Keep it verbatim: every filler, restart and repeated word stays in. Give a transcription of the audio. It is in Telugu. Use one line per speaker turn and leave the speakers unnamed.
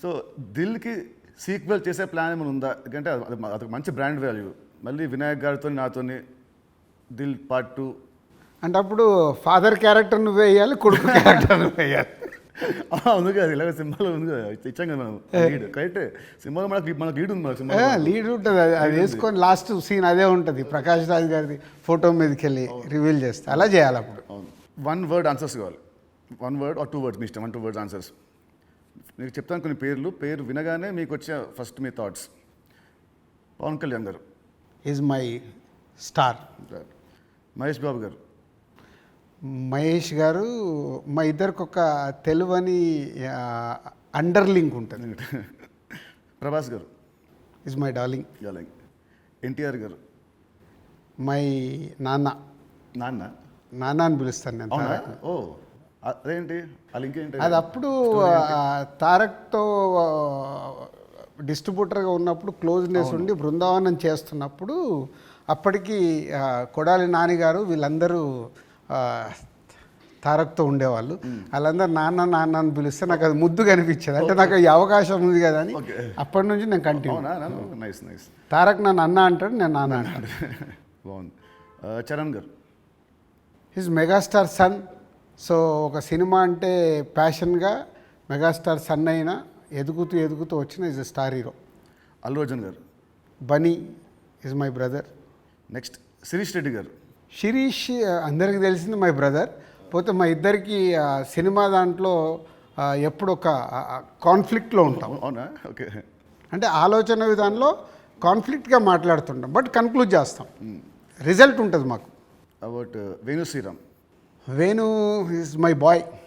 సో దిల్కి సీక్వెల్ చేసే ప్లాన్ ఏమైనా ఉందా? ఎందుకంటే అది అదొక మంచి బ్రాండ్ వాల్యూ. మళ్ళీ వినాయక్ గారితో నాతోని దిల్ పార్ట్ టూ
అంటే అప్పుడు ఫాదర్ క్యారెక్టర్ నువ్వు వేయాలి, కొడుకు క్యారెక్టర్ నువ్వు వేయాలి.
ఉంది కదా, ఇలాగ సినిమాలో ఉంది కదా, ఇచ్చాం కదా మనం లీడ్. కరెక్టే, సినిమాలో మనకి మనకు లీడ్ ఉంది, మన సినిమా
లీడ్ ఉంటుంది. అది అది వేసుకొని లాస్ట్ సీన్ అదే ఉంటుంది, ప్రకాష్ రాజ్ గారిది ఫోటో మీదకి వెళ్ళి రివీల్ చేస్తే అలా చేయాలి. అప్పుడు
వన్ వర్డ్ ఆన్సర్స్ కావాలి. One word or two words, మీ ఇష్టం. One two words answers. మీకు చెప్తాను కొన్ని పేర్లు. పేరు వినగానే మీకు వచ్చే ఫస్ట్ మీ thoughts. Pawan Kalyan garu
is my star.
Mahesh Babu garu.
Mahesh గారు మా ఇద్దరికి ఒక తెలువని అండర్ లింక్ ఉంటుంది.
Prabhas garu
is my darling.
Darling. NTR garu.
My నాన్న.
నాన్న
నాన్న అని పిలుస్తాను నేను.
అవునా? ఓ అదేంటి ఆ లింక్ ఏంటి?
అది అప్పుడు తారక్తో డిస్ట్రిబ్యూటర్గా ఉన్నప్పుడు క్లోజ్నెస్ ఉండి బృందావనం చేస్తున్నప్పుడు అప్పటికి కొడాలి నాని గారు వీళ్ళందరూ తారక్తో ఉండేవాళ్ళు. వాళ్ళందరూ నాన్న నాన్న అని పిలిస్తే నాకు అది ముద్దు కనిపించేది. అంటే నాకు ఈ అవకాశం ఉంది కదా అని అప్పటి నుంచి నేను కంటిన్యూ.
Nice nice.
తారక్ నన్ను అన్న అంటాడు, నేను నాన్న అంటాడు.
బాగుంది. Charan garu.
His megastar son. So ఒక సినిమా అంటే ప్యాషన్గా మెగాస్టార్ సన్ అయినా ఎదుగుతూ ఎదుగుతూ వచ్చిన is a star hero.
Allu Arjun garu.
Bunny is my brother.
Next Sirish Reddy garu.
Sirish అందరికీ తెలిసింది మై బ్రదర్. పోతే మా ఇద్దరికి సినిమా దాంట్లో ఎప్పుడు ఒక కాన్ఫ్లిక్ట్లో ఉంటాం.
అవునా? ఓకే.
అంటే ఆలోచన విధానంలో కాన్ఫ్లిక్ట్గా మాట్లాడుతుంటాం, బట్ కన్క్లూడ్ చేస్తాం. రిజల్ట్ ఉంటుంది మాకు.
About Venu Sriram.
Venu is my bye.